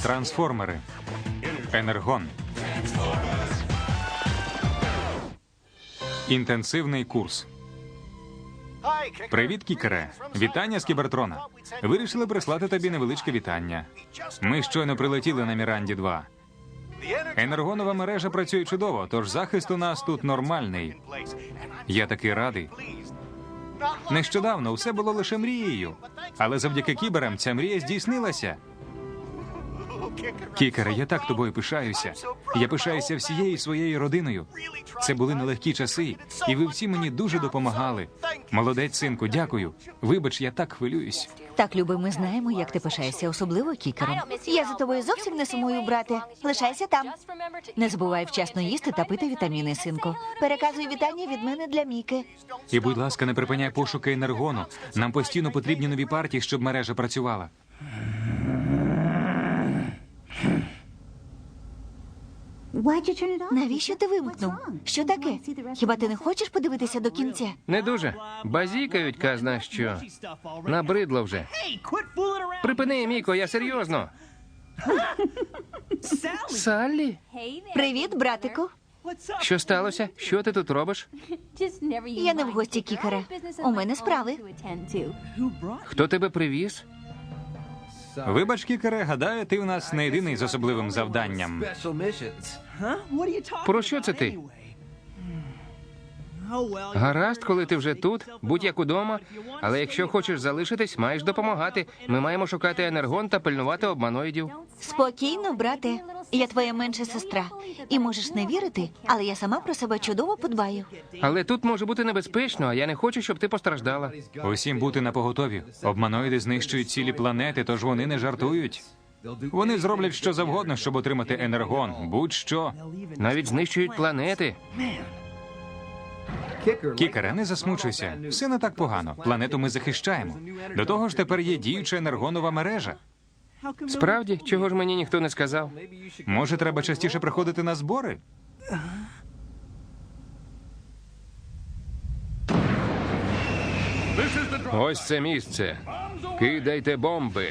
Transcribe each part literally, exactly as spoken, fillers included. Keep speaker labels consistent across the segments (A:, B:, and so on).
A: Трансформери. Енергон. Інтенсивний курс. Привіт, Кікере. Вітання з Кібертрона. Вирішили прислати тобі невеличке вітання. Ми щойно прилетіли на Міранді два. Енергонова мережа працює чудово, тож захист у нас тут нормальний. Я такий радий. Нещодавно все було лише мрією. Але завдяки кіберам ця мрія здійснилася. Кікере, я так тобою пишаюся. Я пишаюся всією своєю родиною. Це були нелегкі часи, і ви всі мені дуже допомагали. Молодець, синку, дякую. Вибач, я так хвилююсь.
B: Так, Люби, ми знаємо, як ти пишаєшся, особливо кікером. Я за тобою зовсім не сумую, брате. Лишайся там. Не забувай вчасно їсти та пити вітаміни, синку. Переказуй вітання від мене для Міки.
A: І, будь ласка, не припиняй пошуки енергону. Нам постійно потрібні нові партії, щоб мережа працювала.
B: Навіщо ти вимкнув? Що таке? Хіба ти не хочеш подивитися до кінця?
C: Не дуже. Базікають казна що. Набридло вже. Припини, Міко, я серйозно. Саллі?
B: Привіт, братику.
C: Що сталося? Що ти тут робиш?
B: Я не в гості, Кікере. У мене справи.
C: Хто тебе привіз?
A: Вибач, Кікере, гадаю, ти у нас не єдиний з особливим завданням.
C: Про що це ти? Гаразд, коли ти вже тут, будь як удома. Але якщо хочеш залишитись, маєш допомагати. Ми маємо шукати енергон та пильнувати обманоїдів.
B: Спокійно, брате. Я твоя менша сестра. І можеш не вірити, але я сама про себе чудово подбаю.
C: Але тут може бути небезпечно, а я не хочу, щоб ти постраждала.
A: Усім бути напоготові. Обманоїди знищують цілі планети, тож вони не жартують. Вони зроблять що завгодно, щоб отримати енергон. Будь-що.
C: Навіть знищують планети.
A: Кікере, не засмучуйся. Все не так погано. Планету ми захищаємо. До того ж, тепер є діюча енергонова мережа.
C: Справді? Чого ж мені ніхто не сказав?
A: Може, треба частіше приходити на збори?
C: Ось це місце. Кидайте бомби.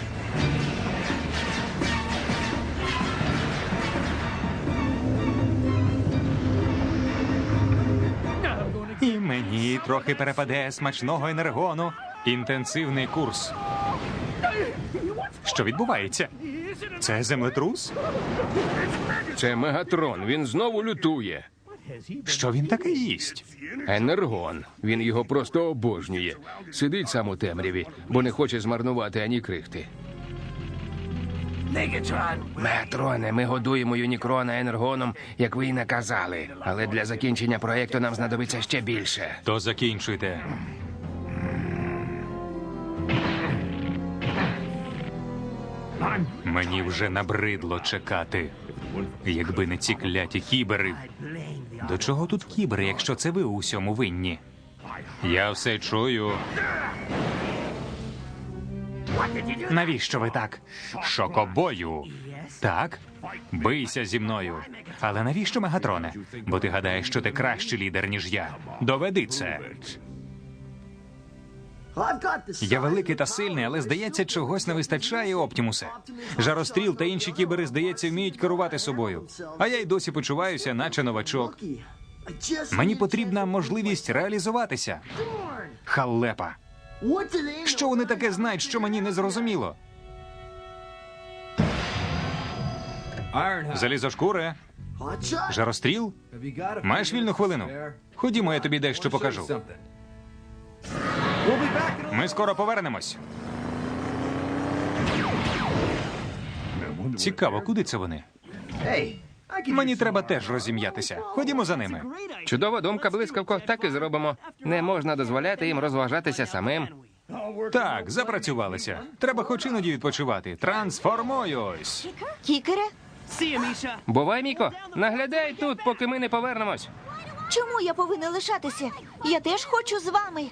A: І мені трохи перепаде смачного енергону. Інтенсивний курс. Що відбувається? Це землетрус?
C: Це Мегатрон. Він знову лютує.
A: Що він таке їсть?
C: Енергон. Він його просто обожнює. Сидить сам у темряві, бо не хоче змарнувати ані крихти. Мегатроне, ми годуємо Юнікрона енергоном, як ви й наказали. Але для закінчення проєкту нам знадобиться ще більше.
A: То закінчуйте. Мені вже набридло чекати. Якби не ці кляті кібери. До чого тут кібери, якщо це ви у всьому винні? Я все чую. Навіщо ви так? Шокобою. Так? Бийся зі мною. Але навіщо, Мегатроне? Бо ти гадаєш, що ти кращий лідер, ніж я. Доведи це. Я великий та сильний, але, здається, чогось не вистачає, Оптімусе. Жаростріл та інші кібери, здається, вміють керувати собою. А я й досі почуваюся, наче новачок. Мені потрібна можливість реалізуватися. Халепа. Що вони таке знають, що мені не зрозуміло? Залізошкуре. Жаростріл? Маєш вільну хвилину? Ходімо, я тобі дещо покажу. Ми скоро повернемось. Цікаво, куди це вони? Мені треба теж розім'ятися. Ходімо за ними.
C: Чудова думка, блискавко. Так і зробимо. Не можна дозволяти їм розважатися самим.
A: Так, запрацювалися. Треба хоч іноді відпочивати. Трансформуюсь.
B: Кікере?
C: Бувай, Міко. Наглядай тут, поки ми не повернемось.
B: Чому я повинна лишатися? Я теж хочу з вами.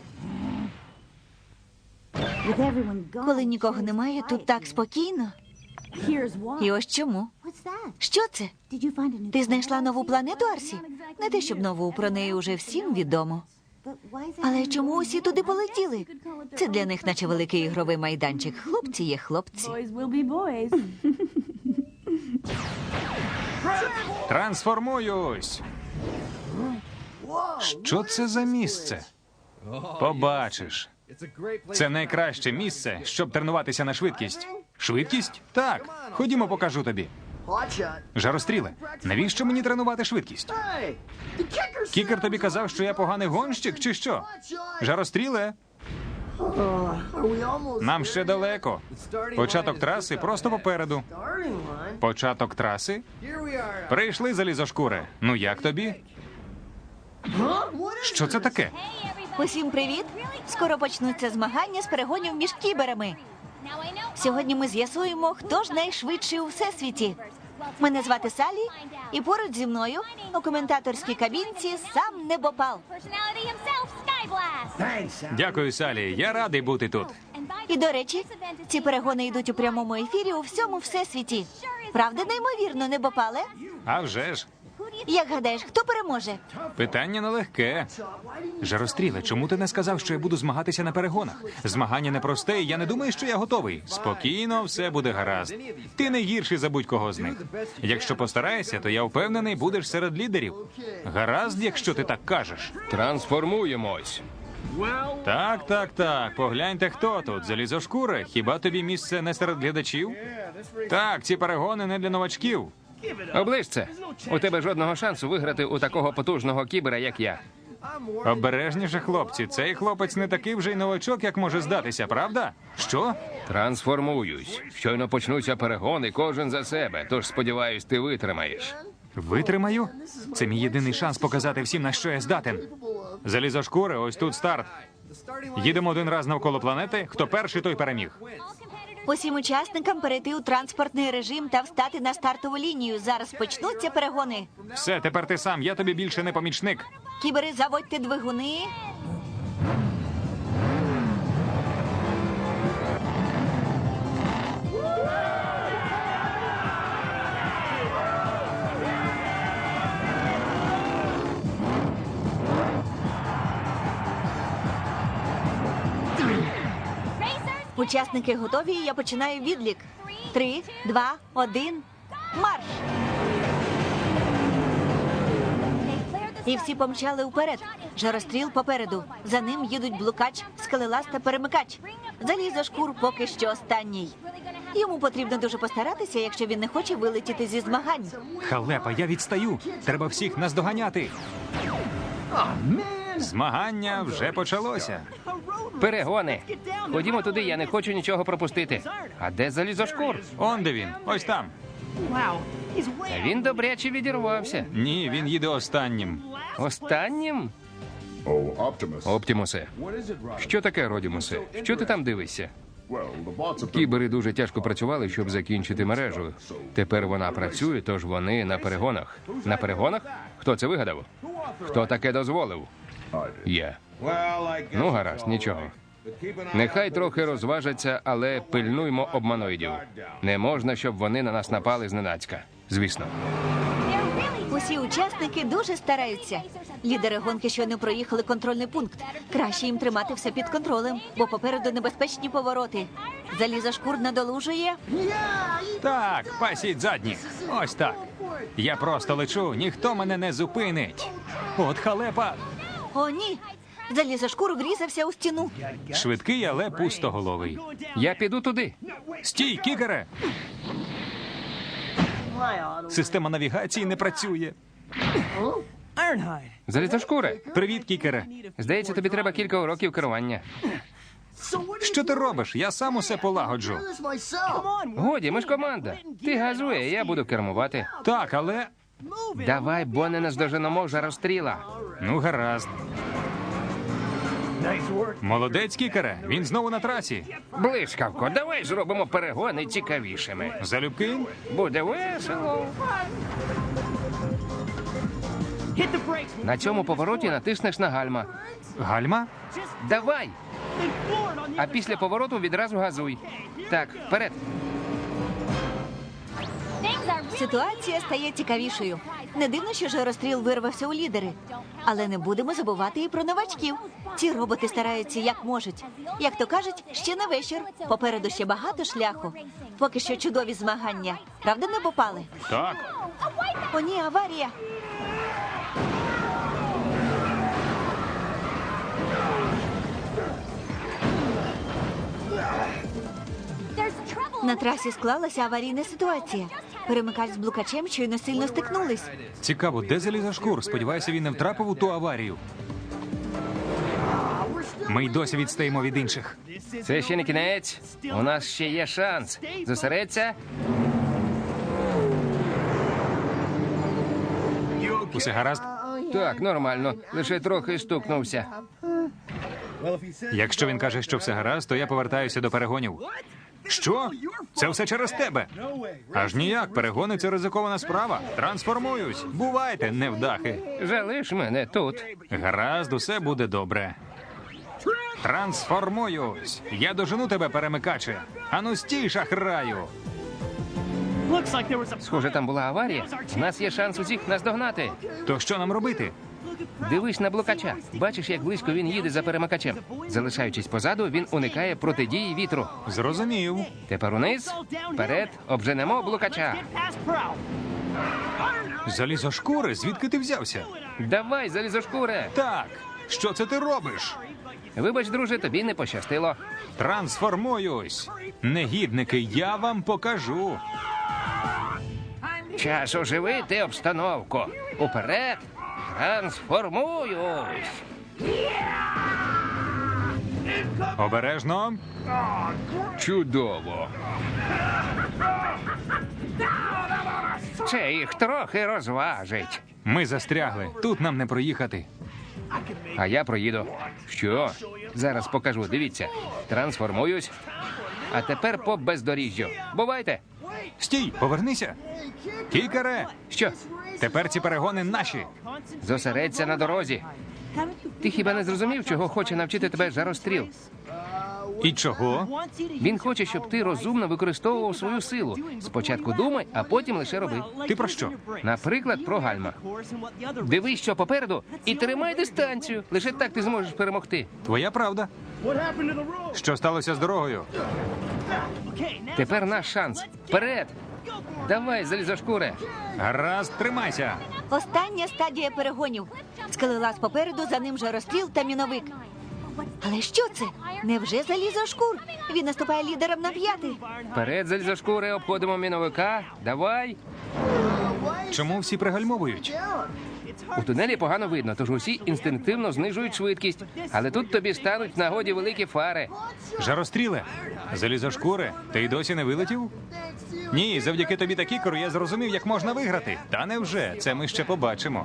B: Коли нікого немає, тут так спокійно. І ось чому. Що це? Ти знайшла нову планету, Арсі? Не те, щоб нову, про неї уже всім відомо. Але чому усі туди полетіли? Це для них наче великий ігровий майданчик. Хлопці є хлопці.
A: Трансформуюсь! Що це за місце? Побачиш. Це найкраще місце, щоб тренуватися на швидкість. Швидкість? Так. Ходімо, покажу тобі. Жаростріле, навіщо мені тренувати швидкість? Кікер тобі казав, що я поганий гонщик, чи що? Жаростріле, нам ще далеко. Початок траси просто попереду. Початок траси? Прийшли, залізошкури. Ну як тобі? Що це таке?
B: Усім привіт! Скоро почнуться змагання з перегонів між кіберами. Сьогодні ми з'ясуємо, хто ж найшвидший у всесвіті. Мене звати Салі, і поруч зі мною у коментаторській кабінці сам Небопал.
A: Дякую, Салі. Я радий бути тут.
B: І, до речі, ці перегони йдуть у прямому ефірі у всьому всесвіті. Правда, неймовірно, Небопале?
A: А вже ж.
B: Як гадаєш, хто переможе?
A: Питання нелегке. Жаростріле, чому ти не сказав, що я буду змагатися на перегонах? Змагання непросте, і я не думаю, що я готовий. Спокійно, все буде гаразд. Ти не гірший за будь-кого з них. Якщо постараєшся, то я впевнений, будеш серед лідерів. Гаразд, якщо ти так кажеш.
C: Трансформуємось.
A: Так, так, так. Погляньте, хто тут. Залізошкури. Хіба тобі місце не серед глядачів? Так, ці перегони не для новачків.
C: Оближ це. У тебе жодного шансу виграти у такого потужного кібера, як я.
A: Обережніше, хлопці. Цей хлопець не такий вже й новачок, як може здатися, правда? Що?
C: Трансформуюсь. Щойно почнуться перегони, кожен за себе. Тож, сподіваюсь, ти витримаєш.
A: Витримаю? Це мій єдиний шанс показати всім, на що я здатен. Залізошкури, ось тут старт. Їдемо один раз навколо планети. Хто перший, той переміг.
B: Усім учасникам перейти у транспортний режим та встати на стартову лінію. Зараз почнуться перегони.
A: Все, тепер ти сам. Я тобі більше не помічник.
B: Кібери, заводьте двигуни. Учасники готові, я починаю відлік. Три, два, один, марш! І всі помчали вперед. Жаростріл попереду. За ним їдуть блукач, скелелаз та перемикач. Залізошкур поки що останній. Йому потрібно дуже постаратися, якщо він не хоче вилетіти зі змагань.
A: Халепа, я відстаю. Треба всіх наздоганяти. Змагання вже почалося.
C: Перегони. Ходімо туди, я не хочу нічого пропустити. А де залізошкур?
A: Он де він. Ось там.
C: Та він добряче відірвався.
A: Ні, він їде останнім.
C: Останнім?
D: Oh, Optimus.
C: Оптімусе.
D: What is it, Ryder?
C: Що таке, Родімусе? Що ти там дивишся?
D: Well, the bots have been...
C: Кібери дуже тяжко працювали, щоб закінчити мережу. Тепер вона працює, тож вони на перегонах. На перегонах? Хто це вигадав? Хто таке дозволив? Я. Ну, гаразд, нічого. Нехай трохи розважаться, але пильнуймо обманоїдів. Не можна, щоб вони на нас напали зненацька. Звісно.
B: Усі учасники дуже стараються. Лідери гонки щойно проїхали контрольний пункт. Краще їм тримати все під контролем, бо попереду небезпечні повороти. Залізошкур надолужує.
A: Так, пасіть задніх. Ось так. Я просто лечу, ніхто мене не зупинить. От халепа.
B: О, ні! Залізошкур врізався у стіну.
A: Швидкий, але пустоголовий.
C: Я піду туди.
A: Стій, кікере! Система навігації не працює.
C: Залізошкуре.
A: Привіт, кікере.
C: Здається, тобі треба кілька уроків керування.
A: Що ти робиш? Я сам усе полагоджу.
C: Годі, ми ж команда. Ти газуй, а я буду кермувати.
A: Так, але...
C: Давай, бо не наздоженемо жаростріла.
A: Ну, гаразд. Молодець, кікере. Він знову на трасі.
C: Блискавко, давай зробимо перегони цікавішими.
A: Залюбки?
C: Буде весело. На цьому повороті натиснеш на гальма.
A: Гальма?
C: Давай! А після повороту відразу газуй. Так, вперед.
B: Ситуація стає цікавішою. Не дивно, що жаростріл вирвався у лідери. Але не будемо забувати і про новачків. Ці роботи стараються як можуть. Як то кажуть, ще не вечір. Попереду ще багато шляху. Поки що чудові змагання. Правда, не попали?
A: Так.
B: О, ні, аварія. На трасі склалася аварійна ситуація. Перемикач з блукачем щойно сильно стикнулись.
A: Цікаво, де залізошкур? Сподіваюся, він не втрапив у ту аварію. Ми й досі відстаємо від інших.
C: Це ще не кінець. У нас ще є шанс. Зосередься.
A: Усе гаразд?
C: Так, нормально. Лише трохи стукнувся.
A: Якщо він каже, що все гаразд, то я повертаюся до перегонів. Що? Це все через тебе? Аж ніяк, перегони – це ризикована справа. Трансформуюсь. Бувайте, невдахи.
C: Залиш мене тут.
A: Гаразд, усе буде добре. Трансформуюсь. Я дожену тебе, перемикаче. Ану стій, шахраю.
C: Схоже, там була аварія. У нас є шанс усіх наздогнати.
A: То що нам робити?
C: Дивись на блукача. Бачиш, як близько він їде за перемикачем. Залишаючись позаду, він уникає протидії вітру.
A: Зрозумів.
C: Тепер униз, вперед, обженемо блукача.
A: Залізошкури? Звідки ти взявся?
C: Давай, залізошкуре.
A: Так. Що це ти робиш?
C: Вибач, друже, тобі не пощастило.
A: Трансформуюсь. Негідники, я вам покажу.
C: Час оживити обстановку. Уперед, трансформуюсь.
A: Обережно.
C: Чудово. Це їх трохи розважить.
A: Ми застрягли. Тут нам не проїхати.
C: А я проїду. Що? Зараз покажу. Дивіться. Трансформуюсь. А тепер по бездоріжжю. Бувайте.
A: Стій, повернися. Кікере,
C: Що?
A: тепер ці перегони наші.
C: Зосередься на дорозі. Ти хіба не зрозумів, чого хоче навчити тебе жаростріл?
A: І чого?
C: Він хоче, щоб ти розумно використовував свою силу. Спочатку думай, а потім лише роби.
A: Ти про що?
C: Наприклад, про гальма. Дивись, що попереду, і тримай дистанцію. Лише так ти зможеш перемогти.
A: Твоя правда. Що сталося з дорогою?
C: Тепер наш шанс. Вперед! Давай, залізошкуре.
A: Гаразд, тримайся.
B: Остання стадія перегонів. Скелелаз попереду, за ним жаростріл та міновик. Але що це? Невже залізошкур? Він наступає лідером на п'яти.
C: Вперед, залізошкуре, обходимо міновика. Давай.
A: Чому всі пригальмовують?
C: У тунелі погано видно, тож усі інстинктивно знижують швидкість. Але тут тобі стануть в нагоді великі фари.
A: Жаростріле, залізошкури, ти й досі не вилетів? Ні, завдяки тобі та кікеру я зрозумів, як можна виграти. Та невже, це ми ще побачимо.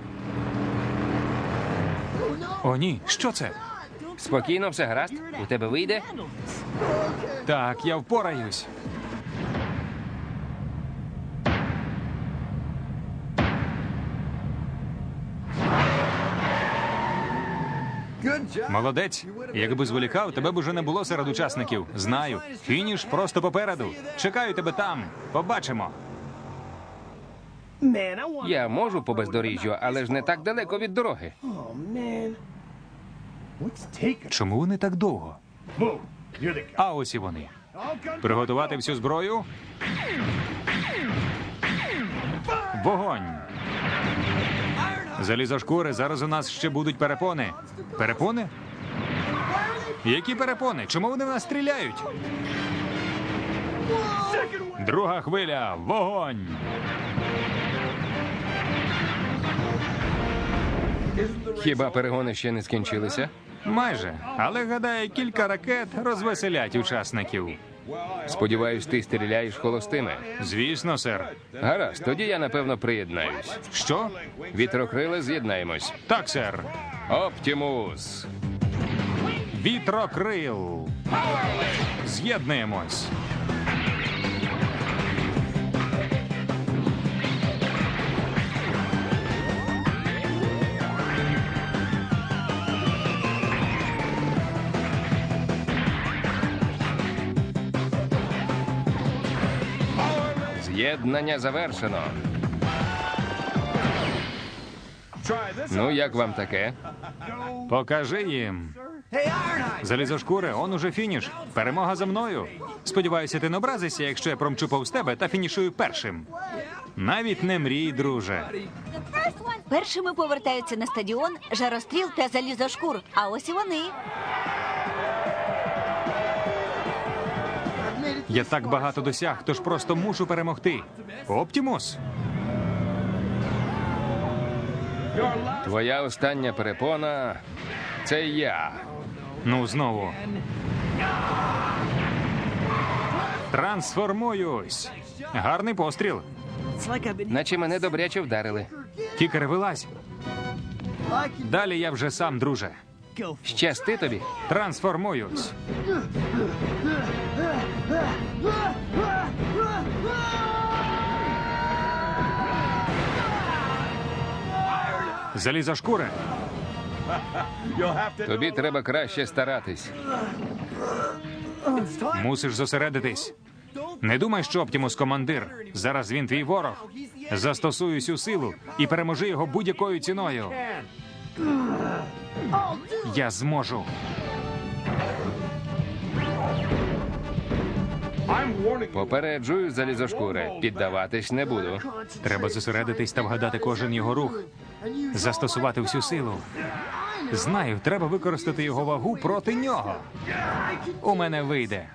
A: О, ні, що це?
C: Спокійно, все гаразд. У тебе вийде?
A: Так, я впораюсь. Молодець. Якби зволікав, тебе б уже не було серед учасників. Знаю. Фініш просто попереду. Чекаю тебе там. Побачимо.
C: Я можу по бездоріжжю, але ж не так далеко від дороги.
A: Чому вони так довго? А ось і вони. Приготувати всю зброю. Вогонь! Залізошкури, зараз у нас ще будуть перепони. Перепони? Які перепони? Чому вони в нас стріляють? Друга хвиля. Вогонь!
C: Хіба перегони ще не скінчилися?
A: Майже. Але, гадаю, кілька ракет розвеселять учасників.
C: Сподіваюсь, ти стріляєш холостими.
A: Звісно, сер.
C: Гаразд, тоді я, напевно, приєднаюсь.
A: Що?
C: Вітрокрили, з'єднаємось.
A: Так, сер.
C: Оптімус!
A: Вітрокрил. З'єднуємось.
C: З'єднання завершено. Ну, як вам таке?
A: Покажи їм. Залізошкури, он уже фініш. Перемога за мною. Сподіваюся, ти не образишся, якщо я промчу повз тебе та фінішую першим. Навіть не мрій, друже.
B: Першими повертаються на стадіон Жаростріл та Залізошкур. А ось і вони.
A: Я так багато досяг, тож просто мушу перемогти. Оптімус.
C: Твоя остання перепона – це я.
A: Ну, знову. Трансформуюсь. Гарний постріл.
C: Наче мене добряче вдарили.
A: Кікер, вилазь. Далі я вже сам, друже.
C: Щасти тобі.
A: Трансформуюсь. Залізошкури.
C: Тобі треба краще старатись.
A: Мусиш зосередитись. Не думай, що Оптімус командир. Зараз він твій ворог. Застосуй усю силу і переможи його будь-якою ціною. Я зможу.
C: Попереджую, Залізошкуре, піддаватись не буду.
A: Треба зосередитись та вгадати кожен його рух. Застосувати всю силу. Знаю, треба використати його вагу проти нього. У мене вийде.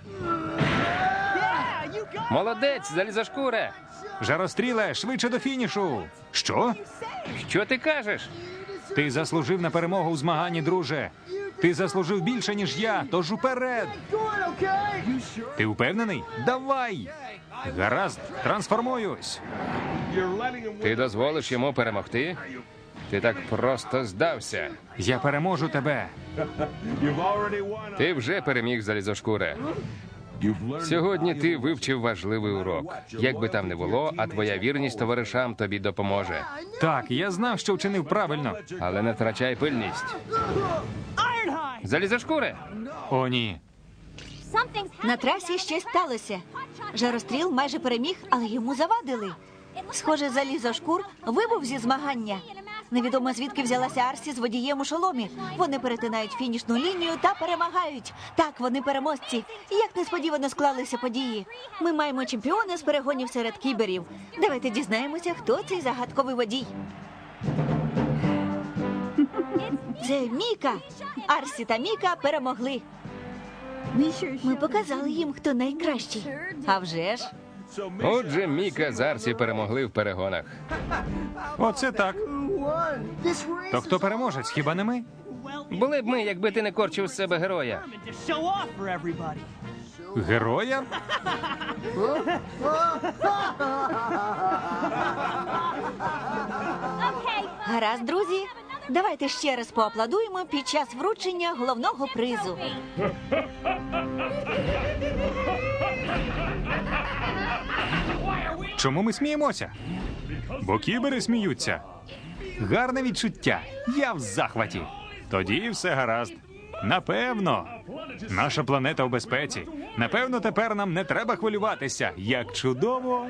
C: Молодець, Залізошкуре!
A: Жаростріле, швидше до фінішу. Що?
C: Що ти кажеш?
A: Ти заслужив на перемогу у змаганні, друже. Ти заслужив більше, ніж я, тож уперед. Ти впевнений? Давай! Гаразд, трансформуюсь.
C: Ти дозволиш йому перемогти? Ти так просто здався.
A: Я переможу тебе.
C: Ти вже переміг, Залізошкуре. Сьогодні ти вивчив важливий урок. Як би там не було, а твоя вірність товаришам тобі допоможе.
A: Так, я знав, що вчинив правильно.
C: Але не втрачай пильність. Залізошкуре!
A: О, ні.
B: На трасі щось сталося. Жаростріл майже переміг, але йому завадили. Схоже, Залізошкур вибув зі змагання. Невідомо звідки взялася Арсі з водієм у шоломі. Вони перетинають фінішну лінію та перемагають. Так, вони переможці. Як несподівано склалися події. Ми маємо чемпіона з перегонів серед кіберів. Давайте дізнаємося, хто цей загадковий водій. Це Міка. Арсі та Міка перемогли. Ми показали їм, хто найкращий. А вже ж.
C: Отже, Міка з Арсі перемогли в перегонах.
A: Оце так. То хто переможець, хіба не ми?
C: Були б ми, якби ти не корчив з себе героя.
A: Героя?
B: Гаразд, друзі. Давайте ще раз поаплодуємо під час вручення головного призу.
A: Чому ми сміємося? Бо кібери сміються. Гарне відчуття. Я в захваті. Тоді все гаразд. Напевно. Наша планета у безпеці. Напевно, тепер нам не треба хвилюватися. Як чудово.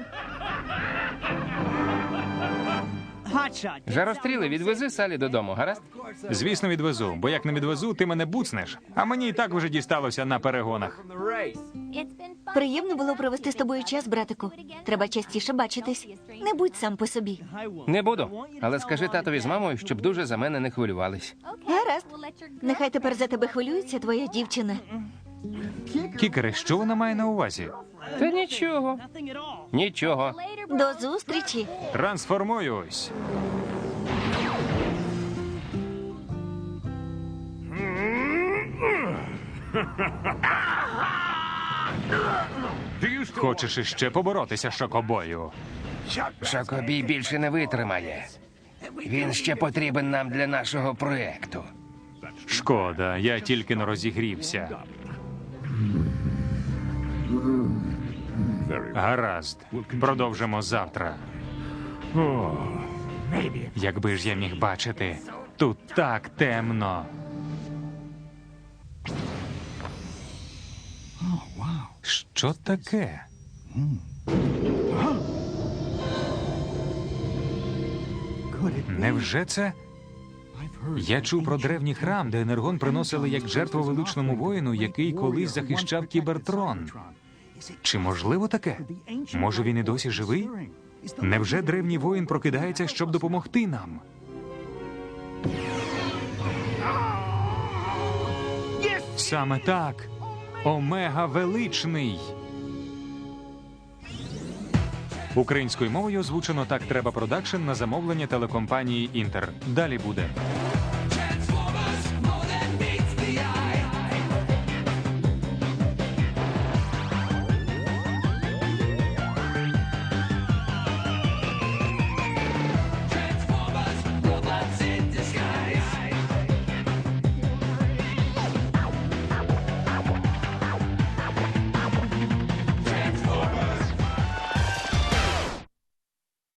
C: Жаростріли, відвези Салі додому, гаразд?
A: Звісно, відвезу, бо як не відвезу, ти мене буцнеш. А мені і так вже дісталося на перегонах.
B: Приємно було провести з тобою час, братику. Треба частіше бачитись. Не будь сам по собі.
C: Не буду. Але скажи татові з мамою, щоб дуже за мене не хвилювались.
B: Гаразд. Нехай тепер за тебе хвилюється твоя дівчина.
A: Кікере, що вона має на увазі?
C: Та нічого. Нічого.
B: До зустрічі.
A: Трансформуюсь. Хочеш іще поборотися, шокобою?
C: Шокобій більше не витримає. Він ще потрібен нам для нашого проекту.
A: Шкода, я тільки не розігрівся. Гаразд, продовжимо завтра. Якби ж я міг бачити, тут так темно. Що таке? Невже це Я чув про древній храм, де енергон приносили як жертву величному воїну, який колись захищав Кібертрон. Чи можливо таке? Може, він і досі живий? Невже древній воїн прокидається, щоб допомогти нам? Саме так. Омега Величний. Українською мовою озвучено «Так треба продакшн» на замовлення телекомпанії «Інтер». Далі буде.